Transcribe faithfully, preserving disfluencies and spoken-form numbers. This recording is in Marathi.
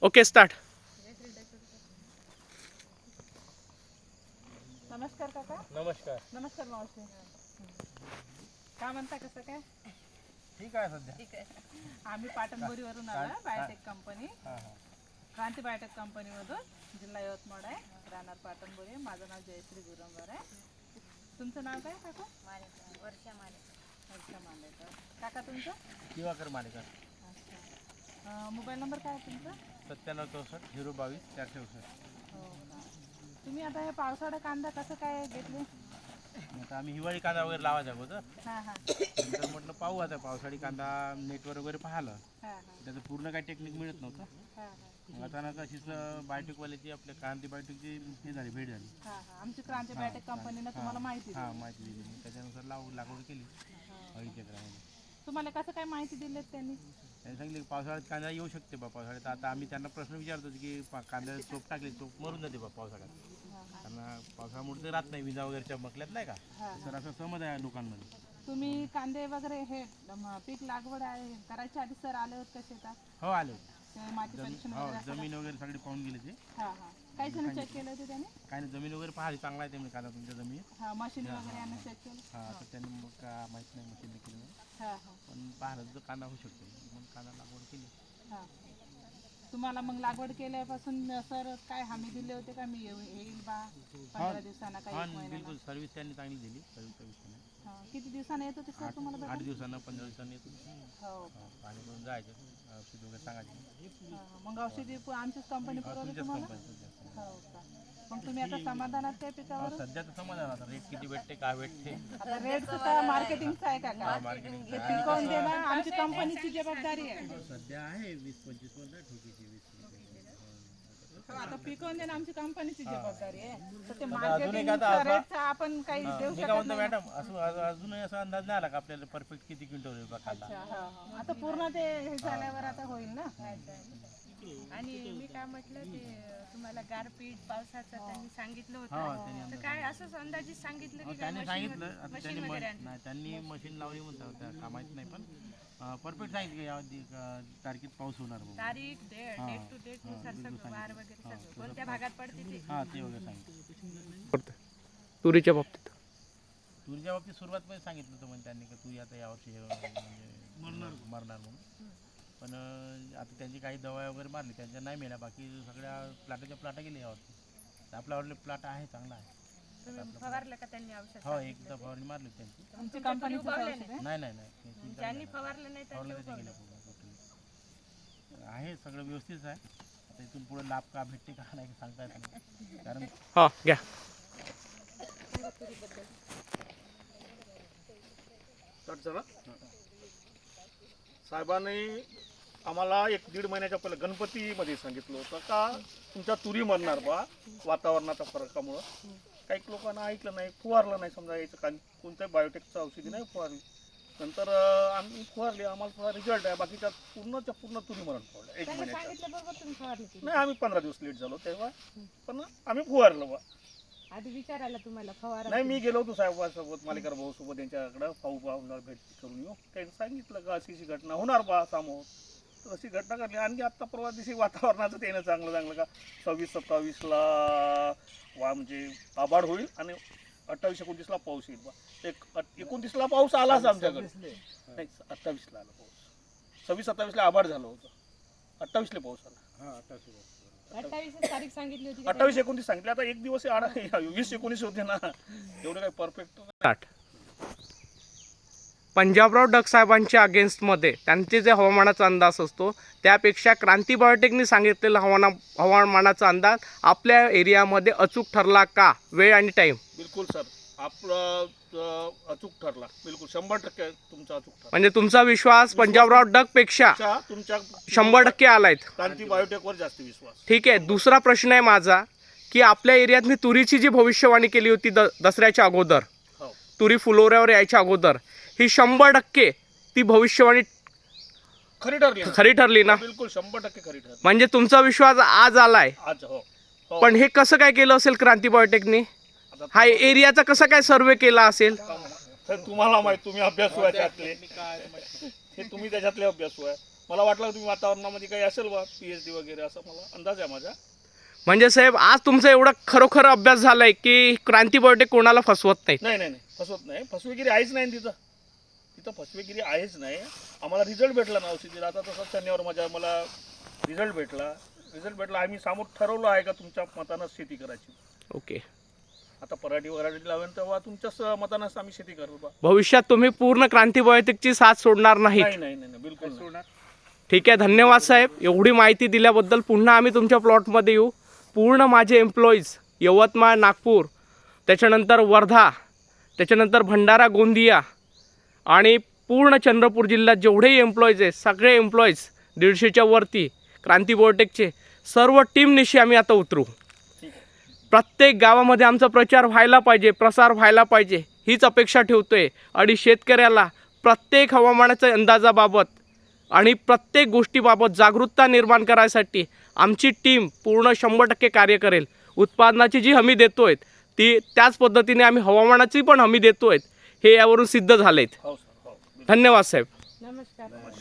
Okay start. नमस्कार काका. नमस्कार. नमस्कार मावशी. काय म्हणता, कसं काय? ठीक आहे सध्या. ठीक आहे. आम्ही पाटणबोरीवरून आलो, बायोटेक कंपनी, हां हां क्रांती बायोटेक कंपनीमधून, जिल्हा यवतमाळ आहे, राहणार पाटणबोरी. माझं नाव जयश्री गुरंबर आहे. तुमचं नाव काय काका? वर्षा मालेकर. वर्षा मालेकर. काका तुमचं? दिवाकर मालेकर. अच्छा. मोबाईल नंबर काय आहे तुमचा? सत्त्याण्णव चौसष्ट झिरो बावीस चारशे चौसष्ट. हो का. तुम्ही आता हे पावसाळा कांदा कसं काय घेतले? आता आम्ही हिवाळी कांदा वगैरे लावायचा अगोदर, हां हां नंतर म्हटलं पाहू आता पावसाळी कांदा नेटवर वगैरे पाहिलं, हां हां त्याचं पूर्ण काही टेक्निक मिळत नव्हतं. हां हां मग अचानक अशीच बायोटेकवाल्याची आपल्या क्रांती बायोटेकची हे झाली, भेट झाली. हां हां आमची क्रांती बायोटेक कंपनीनं तुम्हाला माहिती हां दिली. माहिती दिली. मग त्याच्यानुसार लाव लागवड केली अडीच एकरामध्ये. तुम्हाला कसं काय माहिती दिलीत त्यांनी? त्यांनी सांगितलं की पावसाळ्यात कांदा येऊ शकते बा. पावसाळ्यात आता आम्ही त्यांना प्रश्न विचारतो की पा- कांद्याला चोप टाकली, चोप मरून जाते बा पावसाळ्यात. हां हां त्यांना पावसामुळे ते राहत नाही, विजा वगैरे चमकल्यात नाही का, हां सर असं समज आहे लोकांमध्ये. तुम्ही कांदे वगैरे हे म, पीक लागवड आहे करायच्या आधी सर आले होते का शेतात? हो आले होते. ते माती परीक्षण हो वगैरे असं जमीन वगैरे सगळी पाहून गेले ते. का? हां हां काही जण चेक केलं होते त्याने? काय नाही, जमीन वगैरे पाहिली, चांगला आहे ते कांदा तुमच्या जमीन. हां मशीन वगैरे यांना चेक केलं? हा तर त्यांनी मग का माहीत नाही मशीन केलं, हां हां पण पाहिलं तर कांदा होऊ शकतो. मग कांदा लागवड केली. हां तुम्हाला मग लागवड केल्यापासून सर काय हमी दिले होते का मी येऊ- येईल बा पंधरा दिवसांना काही हा एक महिन्याला? बिलकुल, सर्व्हिस त्यांनी चांगली दिली. सर्व्हिस सर्व्हिस हां किती दिवसांना येत होते सर तुम्हाला आठ भेटायला? दिवसानं पंधरा दिवसांनी येतो. हो पाणी करून जायचं, औषध वगैरे सांगायचे. हां, मग औषधी पु- आमचीच कंपनी पुरवली तुमच्याच तुम्हाला? कंपनी. हो का. मग तुम्ही आता समाधानात त्या पिकावर? सध्या तर समाधान आता रेट किती भेटते, काय भेटते. आता रेटचं तर मार्केटिंगचं आहे का का? मार्केटिंग हे पिकवून देणं आमची कंपनीची जबाबदारी आहे. सध्या आहे वीस पंचवीस पर्यंत ठोकीची वीस. हो, आता पिकवून देणं आमची कंपनीची जबाबदारी आहे. तर ते अजून एक मार्केटिंगचा आता असा- रेटचा आपण काही देऊ मी शकत काय म्हणतो नाही. मॅडम, असं अजून- अजूनही असा अंदाज नाही आला का आपल्याला परफेक्ट किती क्विंटल होईल बा कांदा. अच्छा, हा, हा. आता पूर्ण ते हे झाल्यावर आता होईल ना? आणि मी काय म्हटलं ते तुम्हाला गारपीट पावसाचं त्यांनी सांगितलं हा होतं, त्यांनी तर अंदाज काय असंच अंदाजित सांगितलं अहो, की काय त्यांनी मशीन सांगितलं. आता मशीन त्यांनी म- वगैरे आणलं? नाही, त्यांनी मशीन लावली म्हणतात त्या का माहित नाही, पण परफेक्ट सांगितलं की यावधी तारखेत पाऊस होणार म्हणून. तारीख डेट हा. डेट टू डेट नुसार बिलकुल सगळं वार वगैरे हा, सगळं कोणत्या भागात पडते ते. हा ते वगैरे सांगितलं. तुरीच्या बाबतीत तुरीच्या बाबतीत सुरुवात पण सांगितलं होतं म्हणजे त्यांनी, का तुरी आता यावर्षी हे म्हणजे मरणार मरणार म्हणून. पण अं, आता त्यांची काही दवा वगैरे मारली, त्यांच्या नाही मेल्या. बाकी सगळ्या प्लाटाच्या प्लाटा गेले यावर्षी. आपला आवडले प्लाट आहे, चांगला आहे. तुम्ही फवारलं का त्यांनी औषध? हो एकदा फवारणी मारली होती त्यांची. आमची कंपनीचं औषध आहे. नाही नाही नाही ते चिंता ज्यांनी नाही. फवारलं नाही फवारलं त्यांनी तर ते गेलं पूर्ण टोटली. आहे सगळं व्यवस्थित आहे. आता इथून पुढे लाभ का भेटते का नाही सांगता येत नाही, कारण हां घ्या. साहेबांनी आम्हाला एक दीड महिन्याच्या पहिले गणपतीमध्ये सांगितलं होतं का तुमच्या तुरी मरणार बा वातावरणाच्या फरकामुळं. काही लोकांना ऐकलं नाही, फुवारलं नाही. समजा याचं का कोणत्याही बायोटेकचं औषधी नाही फुवारली. नंतर अं, आम्ही फुवारली, आम्हाला थोडा रिझल्ट आहे. बाकीच्या पूर्णच्या पूर्ण तुरी मरण पावल्या एक त्यांनी महिन्याच्या. सांगितलं बरोबर तुम्ही फवारणी केली. नाही आम्ही पंधरा दिवस लेट झालो तेव्हा, पण आम्ही फुवारलं बा. आधी विचारायला तुम्हाला फवारा. नाही मी गेलो होतो साहेबांसोबत, मालिकार भाऊ सोबत त्यांच्याकडं पाहू पाहूला भेट करून येऊ. त्यांनी सांगितलं का अशी अशी घटना होणार बा समोर. तर अशी घटना घडली. आणि आत्ता परवा दिवशी वातावरणाचं त्यानं चांगलं चांगलं का सव्वीस सत्तावीसला वा म्हणजे आभाळ होईल आणि अठ्ठावीस एकोणतीसला पाऊस येईल बा. एक अट- एकोणतीसला पाऊस आलाच आमच्याकडे. नाही अठ्ठावीसला आला पाऊस. सव्वीस सत्तावीसला आभाळ झालं होतं, अठ्ठावीसला पाऊस आला. अठ्ठावीस तारीख सांगितली होती. अठ्ठावीस एकोणतीस सांगितले. आता एक दिवस आडा वीस एकोणीस होते ना, एवढं काही परफेक्ट. स्टार्ट. पंजाबराव डग साहेबांच्या अगेन्स्टमध्ये त्यांचे जे हवामानाचा अंदाज असतो त्यापेक्षा क्रांती बायोटेकनी सांगितलेला हवाना हवामानाचा अंदाज आपल्या एरियामध्ये अचूक ठरला का? वेळ आणि टाईम. बिलकुल सर, आपलं अं, अचूक ठरला. बिलकुल शंभर टक्के तुमचा अचूक ठरला. म्हणजे तुमचा विश्वास पंजाबराव डग पेक्षा तुमच्या तुमच्या शंभर टक्के आलायत. क्रांती बायोटेकवर जास्त विश्वास. ठीक आहे. दुसरा प्रश्न आहे माझा की आपल्या एरियात मी तुरीची जी भविष्यवाणी केली होती द दसऱ्याच्या अगोदर, हो तुरी फुलोऱ्यावर यायच्या अगोदर, ही शंभर टक्के ती भविष्यवाणी खरी ठरली ना? खरी ठरली ना? बिलकुल शंभर टक्के खरी ठरली. म्हणजे तुमचा विश्वास आज आलाय. आज हो हो. पण हे कसं काय केलं असेल क्रांती बायोटेकनी? आता हा एरियाचा कसा काय सर्वे केला असेल? सर तुम्हाला माहित, तुम्ही अभ्यासू आहे त्यातले, हे तुम्ही त्याच्यातले अभ्यासू आहे. मला वाटलं तुम्ही वातावरणामध्ये काही असेल बा पी एच डी वगैरे असं मला अंदाज आहे माझा. म्हणजे साहेब आज तुमचा एवढा खरोखर अभ्यास झालाय की क्रांती बायोटेक कोणाला फसवत नाही. नाही नाही नाही फसवत नाही. फसवेगिरी आहेच नाही तिथं. तिथं फसवेगिरी आहेच नाही. आम्हाला रिझल्ट भेटला ना औषधीला. आता तसं शनिवार माझ्या मला रिझल्ट भेटला. रिझल्ट भेटला आम्ही समोर ठरवलं आहे का तुमच्या मतानं शेती करायची. ओके. आता पराठी वराठी लावेल तेव्हा तुमच्याच मतानंच आम्ही शेती करू बा. भविष्यात तुम्ही पूर्ण क्रांती बायोटेकची साथ सोडणार नाहीत. नाही नाही नाही बिलकुल नाही. ठीक आहे, धन्यवाद साहेब. एवढी माहिती दिल्याबद्दल. पुन्हा आम्ही तुमच्या प्लॉटमध्ये येऊ. पूर्ण माझे एम्प्लॉईज यवतमाळ, नागपूर, त्याच्यानंतर वर्धा, त्याच्यानंतर भंडारा, गोंदिया आणि पूर्ण चंद्रपूर जिल्ह्यात जेवढेही एम्प्लॉईज आहेत सगळे एम्प्लॉईज दीडशेच्या वरती क्रांती बायोटेकचे सर्व टीमनिशी आम्ही आता उतरू. प्रत्येक गावामध्ये आमचा प्रचार व्हायला पाहिजे, प्रसार व्हायला पाहिजे हीच अपेक्षा ठेवतोय. आणि शेतकऱ्याला प्रत्येक हवामानाच्या अंदाजाबाबत आणि प्रत्येक गोष्टीबाबत जागरूकता निर्माण करायसाठी आमची टीम पूर्ण शंभर टक्के कार्य करेल. उत्पादनाची जी हमी देतो आहे ती त्याच पद्धतीने आम्ही हवामानाची पण हमी देतो आहे, हे यावरून सिद्ध झाले आहेत. हो सर हो. धन्यवाद साहेब. नमस्कार.